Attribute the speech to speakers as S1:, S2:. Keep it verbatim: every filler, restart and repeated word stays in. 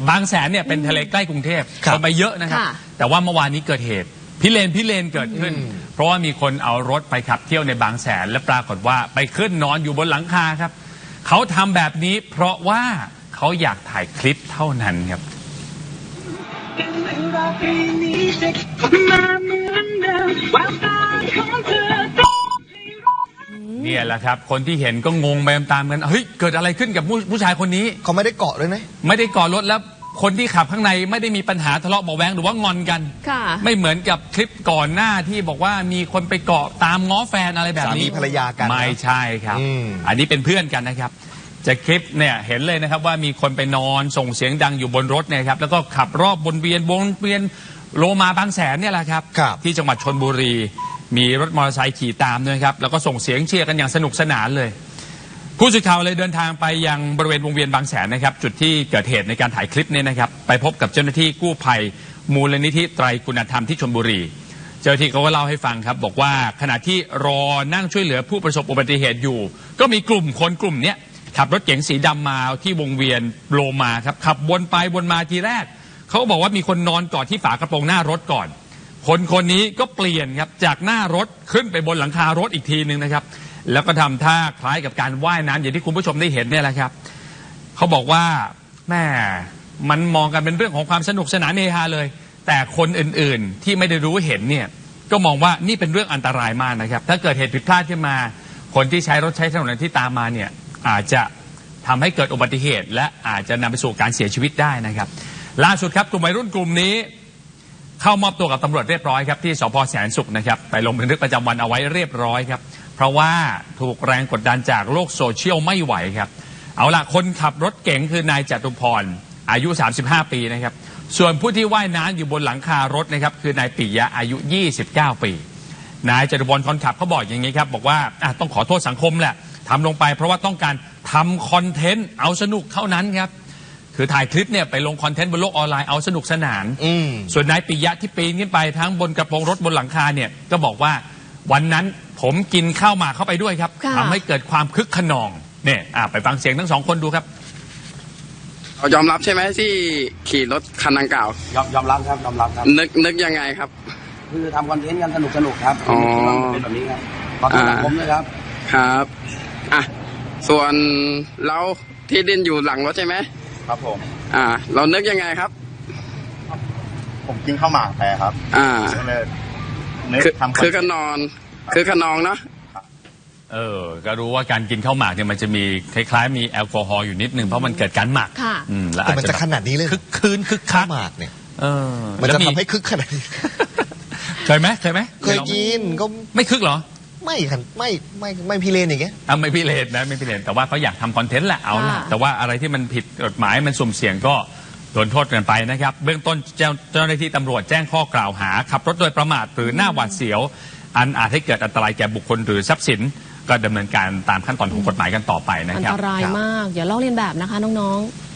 S1: บางแสนเนี่ยเป็นทะเลใกล้กรุงเทพคนไปเยอะนะครับแต่ว่าเมื่อวานนี้เกิดเหตุพิเรนพิเรนเกิดขึ้นเพราะว่ามีคนเอารถไปขับเที่ยวในบางแสนและปรากฏว่าไปขึ้นนอนอยู่บนหลังคาครับเขาทำแบบนี้เพราะว่าเขาอยากถ่ายคลิปเท่านั้นครับเนี่ยแหละครับคนที่เห็นก็งงไปตามกันเฮ้ยเกิดอะไรขึ้นกับผู้ผู้ชายคนนี้
S2: เขาไม่ได้เกาะเลยนะ
S1: ไม่ได้เกาะรถแล้วคนที่ขับข้างในไม่ได้มีปัญหาทะเลาะเบาะแว้งหรือว่างอนกันไม่เหมือนกับคลิปก่อนหน้าที่บอกว่ามีคนไปเกาะตามง้อแฟนอะไรแบบนี้
S2: สามีภรรยากัน
S1: ไม่ใช่ครับ อ, อันนี้เป็นเพื่อนกันนะครับจะคลิปเนี่ยเห็นเลยนะครับว่ามีคนไปนอนส่งเสียงดังอยู่บนรถเนี่ยครับแล้วก็ขับรอบบนเวียนวงเวียนโลมาบางแสนเนี่ยแหละครับที่จังหวัดชลบุรีมีรถมอเตอร์ไซค์ขี่ตามด้วยครับแล้วก็ส่งเสียงเชียร์กันอย่างสนุกสนานเลยผู้สื่อข่าวเลยเดินทางไปยังบริเวณวงเวียนบางแสนนะครับจุดที่เกิดเหตุในการถ่ายคลิปนี้นะครับไปพบกับเจ้าหน้าที่กู้ภัยมูลนิธิไตรคุณธรรมที่ชลบุรีเจ้าหน้าที่เขาก็เล่าให้ฟังครับบอกว่าขณะที่รอนั่งช่วยเหลือผู้ประสบอุบัติเหตุอยู่ก็มีกลุ่มคนกลุ่มนี้ขับรถเก๋งสีดำมาที่วงเวียนโลมาครับขับวนไปวนมาทีแรกเขาบอกว่ามีคนนอนกอดที่ฝากระโปรงหน้ารถก่อนคนคนนี้ก็เปลี่ยนครับจากหน้ารถขึ้นไปบนหลังคารถอีกทีนึงนะครับแล้วก็ทำท่าคล้ายกับการว่ายน้ำอย่างที่คุณผู้ชมได้เห็นเนี่ยแหละครับเขาบอกว่าแม่มันมองกันเป็นเรื่องของความสนุกสนานเฮฮาเลยแต่คนอื่นๆที่ไม่ได้รู้เห็นเนี่ยก็มองว่านี่เป็นเรื่องอันตรายมากนะครับถ้าเกิดเหตุผิดพลาดขึ้นมาคนที่ใช้รถใช้ถนนที่ตามมาเนี่ยอาจจะทำให้เกิดอุบัติเหตุและอาจจะนำไปสู่การเสียชีวิตได้นะครับล่าสุดครับกลุ่มวัยรุ่นกลุ่มนี้เข้ามอบตัวกับตำรวจเรียบร้อยครับที่สภ.แสนสุขนะครับไปลงบันทึกประจำวันเอาไว้เรียบร้อยครับเพราะว่าถูกแรงกดดันจากโลกโซเชียลไม่ไหวครับเอาล่ะคนขับรถเก๋งคือนายจตุพรอายุสามสิบห้าปีนะครับส่วนผู้ที่ว่ายน้ำอยู่บนหลังคารถนะครับคือนายปิยะอายุยี่สิบเก้าปีนายจตุพรคนขับเขาบอกอย่างนี้ครับบอกว่าต้องขอโทษสังคมแหละทำลงไปเพราะว่าต้องการทำคอนเทนต์เอาสนุกเท่านั้นครับคือถ่ายคลิปเนี่ยไปลงคอนเทนต์บนโลกออนไลน์เอาสนุกสนานส่วนนายปิยะที่ปีนขึ้นไปทั้งบนกระโปรงรถบนหลังคาเนี่ยก็บอกว่าวันนั้นผมกินข้าวหมากเข้าไปด้วยครับทำให้เกิดความคึกขนองเนี่ยไปฟังเสียงทั้งสองคนดูครับ
S3: เรายอมรับใช่ไหมที่ขี่รถคันดังกล่าวย
S4: อมยอมรับครับยอมรับครับ
S3: นึกนึกยังไงครับ
S4: คือทำคอนเทนต์กันสนุกสนุกครับ
S3: อ๋อ
S4: เป็นแบบนี้ครับขอโทษสังคมด้วยครับ
S3: ครับอ่ะส่วนเราที่ดินอยู่หลังรถใช่ไหม
S4: ครับผม
S3: อ่าเรานึกยังไงครับ
S4: ผมกินข้าวหมากไปครับ
S3: อ่า
S4: คือ
S3: คือขนอนคือขนองเนาะ
S1: เออก็รู้ว่าการกินข้าวหมากเนี่ยมันจะมีคล้ายๆมีแอลกอฮอล์อยู่นิดนึงเพราะมันเกิดการหมัก
S2: ค่ะแต่มันจะขนาดนี้เลย
S1: คึกคืนคึกคัก
S2: หมากเนี่ย
S1: เออ
S2: มันจะทำให้คึกขนาดนี้
S1: เคยไหมเคยไหม
S2: เคยกินก็
S1: ไม่คึกเหรอ
S2: ไม่ครับไม่ไม่ไม่พิเรนอย่างเงี้ย
S1: อ่ะไม่พิเรนนะไม่พิเรนแต่ว่าเขาอยากทำคอนเทนต์แหละเอาละแต่ว่าอะไรที่มันผิดกฎหมายมันสุ่มเสี่ยงก็โดนโทษกันไปนะครับเบื้องต้นเจ้าเจ้าหน้าที่ตำรวจแจ้งข้อกล่าวหาขับรถโดยประมาทหรือหน้าหวาดเสียวอันอาจให้เกิดอันตรายแก่บุคคลหรือทรัพย์สินก็ดำเนินการตามขั้นตอนของกฎหมายกันต่อไปนะครับ
S5: อันตรายมากอย่าลอกเลียนแบบนะคะน้องๆ